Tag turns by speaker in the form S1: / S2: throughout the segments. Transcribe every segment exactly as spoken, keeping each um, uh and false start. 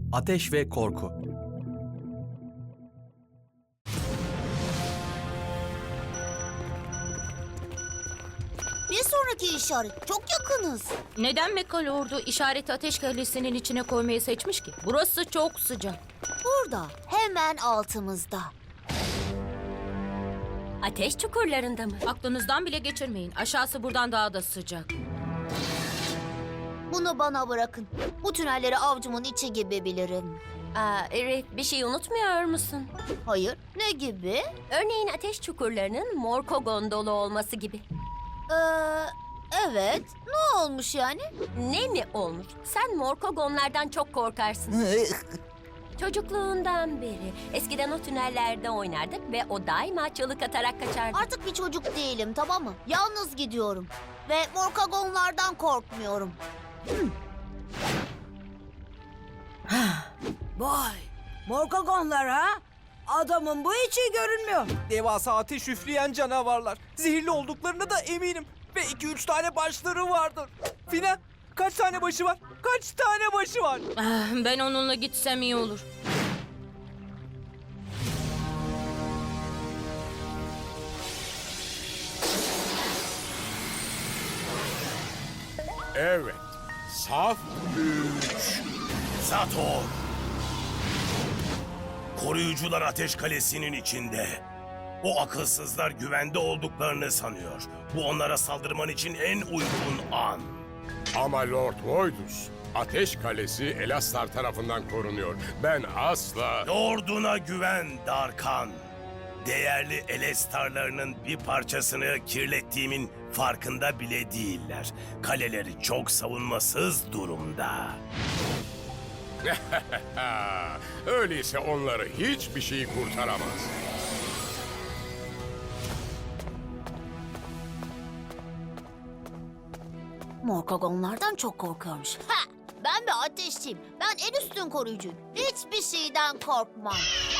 S1: Ateş ve korku.
S2: Bir sonraki işaret. Çok yakınız.
S3: Neden Mekal Ordu işareti ateş kalesinin içine koymayı seçmiş ki? Burası çok sıcak.
S2: Burada. Hemen altımızda.
S4: Ateş çukurlarında mı?
S3: Aklınızdan bile geçirmeyin. Aşağısı buradan daha da sıcak.
S2: Bunu bana bırakın. Bu tünelleri avcumun içi gibi bilirim.
S4: Aa, Rif, bir şey unutmuyor musun?
S2: Hayır. Ne gibi?
S4: Örneğin ateş çukurlarının Morkogon dolu olması gibi.
S2: Ee, evet. Ne olmuş yani?
S4: Ne mi olmuş? Sen Morkogonlardan çok korkarsın. Çocukluğundan beri. Eskiden o tünellerde oynardık ve o daima çığlık atarak kaçardı.
S2: Artık bir çocuk değilim, tamam mı? Yalnız gidiyorum. Ve morkagonlardan korkmuyorum.
S5: Vay, morkagonlar ha? Adamın bu içi görünmüyor.
S6: Devasa ateş üfleyen canavarlar. Zehirli olduklarına da eminim. Ve iki üç tane başları vardır. Finan, kaç tane başı var? Kaç tane başı var?
S3: Ah, Ben onunla gitsem iyi olur.
S7: Evet, saf güç.
S8: Sator! Koruyucular Ateş Kalesi'nin içinde. O akılsızlar güvende olduklarını sanıyor. Bu onlara saldırman için en uygun an.
S7: Ama Lord Voidus, Ateş Kalesi Elastar tarafından korunuyor. Ben asla...
S8: Lorduna güven Darkan. Değerli Elestarlarının bir parçasını kirlettiğimin farkında bile değiller. Kaleleri çok savunmasız durumda.
S7: Ha, öyleyse onları hiçbir şey kurtaramaz.
S2: Morkagonlardan çok korkuyormuş. Ha! Ben bir ateşçiyim. Ben en üstün koruyucuyum. Hiçbir şeyden korkmam.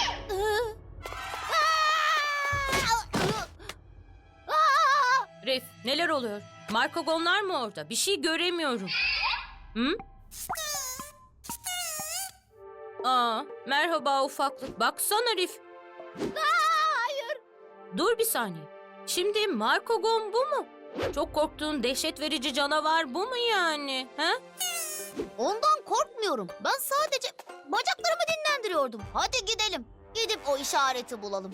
S3: Rif, neler oluyor? Markogonlar mı orada? Bir şey göremiyorum. Hı? Aa, merhaba ufaklık. Baksana Rif.
S2: Hayır.
S3: Dur bir saniye. Şimdi Markogon bu mu? Çok korktuğun dehşet verici canavar bu mu yani? Ha?
S2: Ondan korkmuyorum. Ben sadece bacaklarımı dinlendiriyordum. Hadi gidelim. Gidip o işareti bulalım.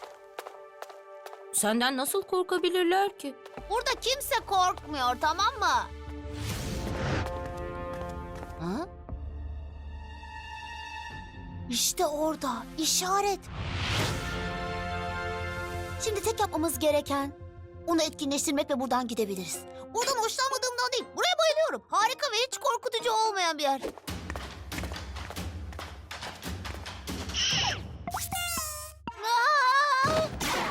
S3: Senden nasıl korkabilirler ki?
S2: Burada kimse korkmuyor, tamam mı? Ha? İşte orada işaret. Şimdi tek yapmamız gereken onu etkinleştirmek ve buradan gidebiliriz. Buradan hoşlanmadığımdan değil, buraya bayılıyorum. Harika ve hiç korkutucu olmayan bir yer. Aa!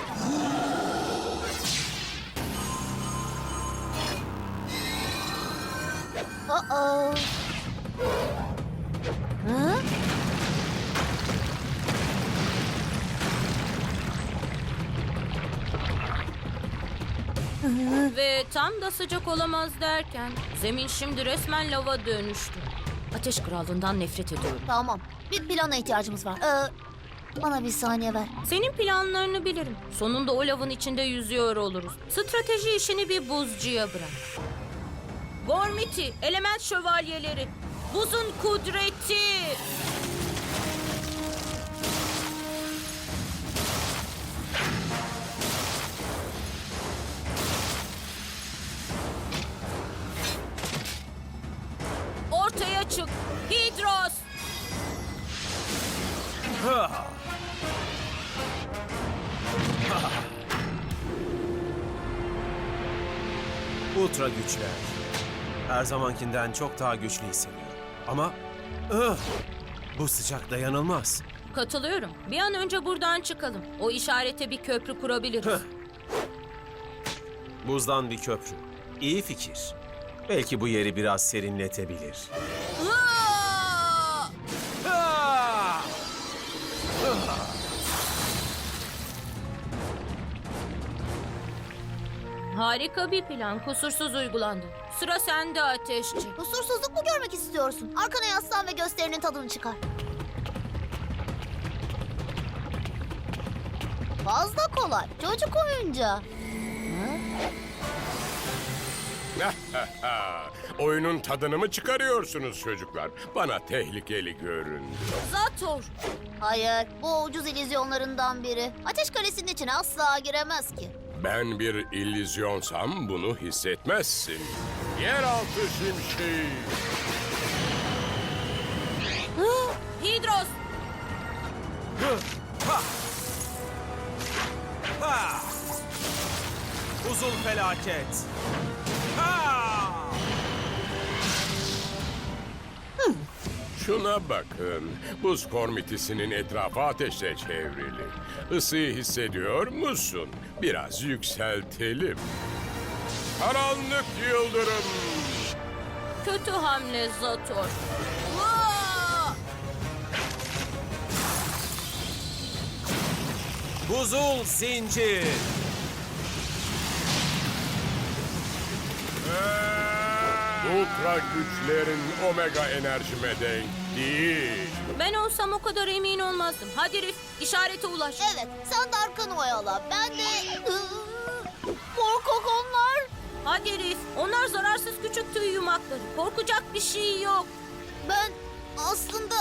S2: Uh-oh. Hı?
S3: Ve tam da sıcak olamaz derken zemin şimdi resmen lava dönüştü. Ateş Krallığından nefret ediyorum.
S2: Tamam. Bir plana ihtiyacımız var. Ee, bana bir saniye ver.
S3: Senin planlarını bilirim. Sonunda o lavın içinde yüzüyor oluruz. Strateji işini bir buzcuya bırak. Gormiti, element şövalyeleri, buzun kudreti. Ortaya çık, Hidros.
S1: Ultra güçler. Her zamankinden çok daha güçlü hissediyorum. Ama ıh, bu sıcak dayanılmaz.
S3: Katılıyorum. Bir an önce buradan çıkalım. O işarete bir köprü kurabiliriz.
S1: Hıh. Buzdan bir köprü. İyi fikir. Belki bu yeri biraz serinletebilir.
S3: Aa!
S1: Ah!
S3: Harika bir plan, kusursuz uygulandı. Sıra sende Ateşçi.
S2: Kusursuzluk mu görmek istiyorsun? Arkana yaslan ve gösterinin tadını çıkar. Fazla kolay. Çocuk oyuncağı.
S7: Oyunun tadını mı çıkarıyorsunuz çocuklar? Bana tehlikeli göründü.
S3: Zator.
S2: Hayır, bu ucuz illüzyonlarından biri. Ateş Kalesi'nin içine asla giremez ki.
S7: Ben bir illüzyonsam bunu hissetmezsin. Yeraltı şimşeği.
S3: Hidros.
S1: Ha! Buzul felaket. Ha!
S7: Şuna bakın. Buz kormitisinin etrafı ateşle çevrili. Isıyı hissediyor musun? Biraz yükseltelim. Karanlık yıldırım.
S3: Kötü hamle Zator.
S1: Buzul zincir.
S7: Ultra güçlerin omega enerjime denk değil.
S3: Ben olsam o kadar emin olmazdım. Hadi Rif, işarete ulaş.
S2: Evet, sen de arkanı oyala. Ben de... Morkogonlar.
S3: Hadi Rif, onlar zararsız küçük tüy yumakları. Korkacak bir şey yok.
S2: Ben aslında...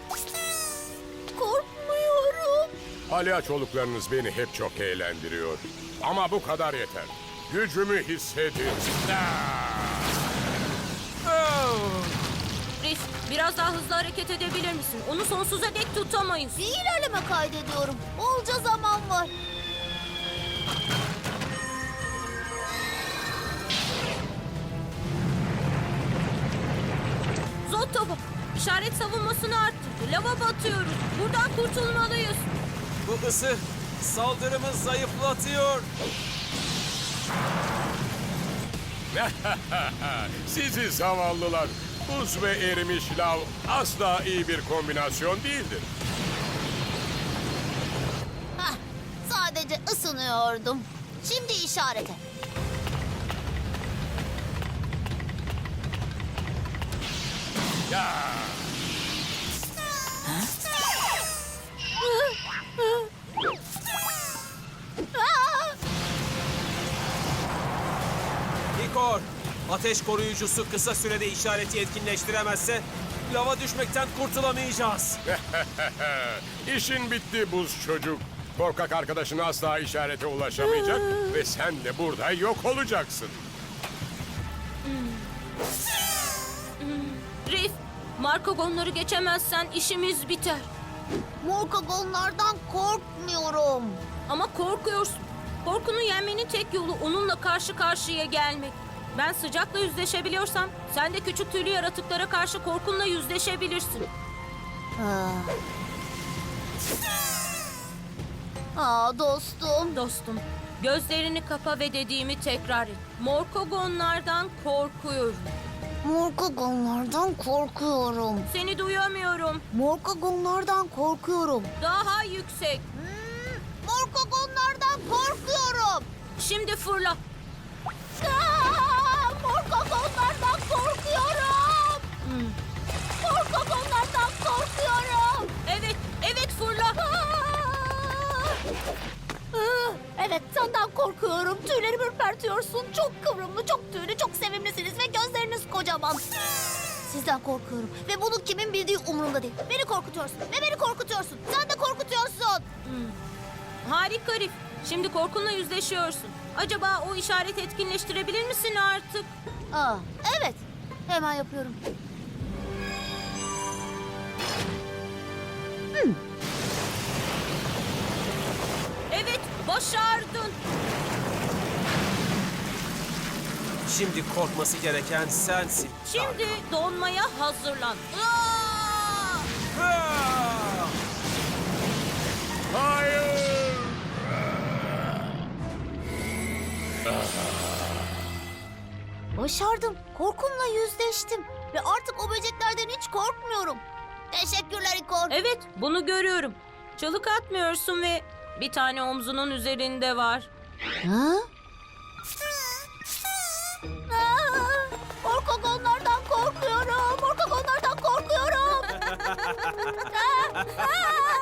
S2: korkmuyorum.
S7: Palyaçoluklarınız beni hep çok eğlendiriyor. Ama bu kadar yeter. Gücümü hissedin.
S3: Rif, biraz daha hızlı hareket edebilir misin? Onu sonsuza dek tutamayız.
S2: Bir ilerleme kaydediyorum. Bolca zaman var.
S3: Zotobo, işaret savunmasını arttırdı. Lava batıyoruz. Buradan kurtulmalıyız.
S1: Bu ısı saldırımı zayıflatıyor.
S7: Sizi zavallılar. Buz ve erimiş lav asla iyi bir kombinasyon değildir.
S2: Hah, sadece ısınıyordum. Şimdi işarete.
S7: Ya.
S1: Hikor, ateş koruyucusu kısa sürede işareti etkinleştiremezse lava düşmekten kurtulamayacağız.
S7: İşin bitti buz çocuk. Korkak arkadaşın asla işarete ulaşamayacak ve sen de burada yok olacaksın.
S3: Rif, Markogonları geçemezsen işimiz biter.
S2: Morkogonlardan korkmuyorum.
S3: Ama korkuyorsun. Korkunu yenmenin tek yolu onunla karşı karşıya gelmek. Ben sıcakla yüzleşebiliyorsam sen de küçük tüylü yaratıklara karşı korkunla yüzleşebilirsin.
S2: Ah. Aa dostum.
S3: Dostum, gözlerini kapa ve dediğimi tekrar et. Morkogonlardan korkuyorum.
S2: Morkogonlardan korkuyorum.
S3: Seni duyamıyorum.
S2: Morkogonlardan korkuyorum.
S3: Daha yüksek.
S2: Hmm, Morkogonlardan korkuyorum.
S3: Şimdi fırla.
S2: Aa, Morkogonlardan korkuyorum.
S3: Hmm.
S2: Morkogonlardan korkuyorum.
S3: Evet, evet fırla.
S2: Ah, evet, senden korkuyorum. Tüylerimi ürpertiyorsun. Çok kıvrımlı, çok tüylü, çok sevimlisiniz ve gözleriniz kocaman. Sizden korkuyorum ve bunu kimin bildiği umurumda değil. Beni korkutuyorsun ve beni korkutuyorsun. Sen de korkutuyorsun.
S3: Harika Rif. Şimdi korkunla yüzleşiyorsun. Acaba o işareti etkinleştirebilir misin artık?
S2: Aa, evet, hemen yapıyorum.
S3: Evet, başardın.
S1: Şimdi korkması gereken sensin.
S3: Şimdi donmaya hazırlan. Aa!
S1: Ha!
S7: Hayır!
S2: Başardım. Korkumla yüzleştim. Ve artık o böceklerden hiç korkmuyorum. Teşekkürler İkor.
S3: Evet, bunu görüyorum. Çalık atmıyorsun ve bir tane omzunun üzerinde var.
S2: Ha? Aa!